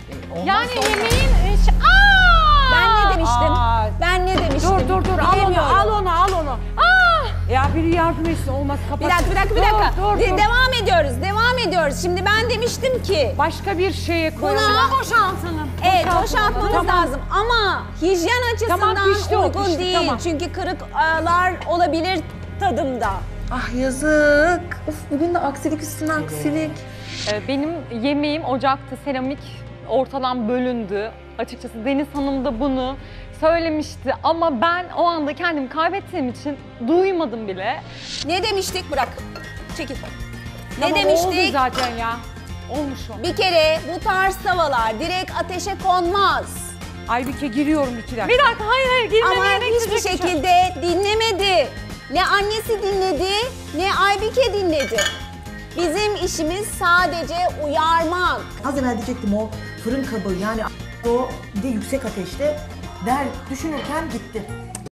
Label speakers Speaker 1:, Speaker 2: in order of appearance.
Speaker 1: Yani
Speaker 2: olmaz.
Speaker 1: yemeğin...
Speaker 3: Ben ne demiştim?
Speaker 2: Aa.
Speaker 3: Ben ne demiştim?
Speaker 2: Dur al onu
Speaker 3: Bilemiyorum.
Speaker 2: al onu. Ya biri yardım etsin olmaz kapat.
Speaker 3: Bir dakika.
Speaker 2: Dur.
Speaker 3: Devam ediyoruz. Şimdi ben demiştim ki
Speaker 2: Başka bir şeye koyalım.
Speaker 3: buna
Speaker 1: Boşaltalım.
Speaker 3: evet boşaltmamız
Speaker 2: Tamam.
Speaker 3: lazım ama hijyen açısından
Speaker 2: Tamam, pişti o,
Speaker 3: uygun
Speaker 2: pişti,
Speaker 3: değil.
Speaker 2: tamam.
Speaker 3: Çünkü kırıklar olabilir tadımda.
Speaker 4: Ah yazık. Of bugün de aksilik üstüne aksilik.
Speaker 1: Benim yemeğim ocakta, seramik ortadan bölündü. Açıkçası Deniz Hanım da bunu söylemişti ama ben o anda kendimi kaybettiğim için duymadım bile.
Speaker 3: Ne demiştik? Bırak. Çekil. Ne
Speaker 2: Tamam,
Speaker 3: demiştik?
Speaker 2: oldu zaten ya. Olmuş o.
Speaker 3: Bir kere bu tarz tavalar direkt ateşe konmaz.
Speaker 2: Aybüke giriyorum 2 dakika.
Speaker 1: Bir dakika, hayır girmemeye
Speaker 3: Ama hiçbir
Speaker 1: bekleyecek bir şey.
Speaker 3: şekilde dinlemedi. Ne annesi dinledi, ne Aybike dinledi. Bizim işimiz sadece uyarmak.
Speaker 4: Az evvel diyecektim o fırın kabı yani o bir de yüksek ateşte der düşünürken gitti.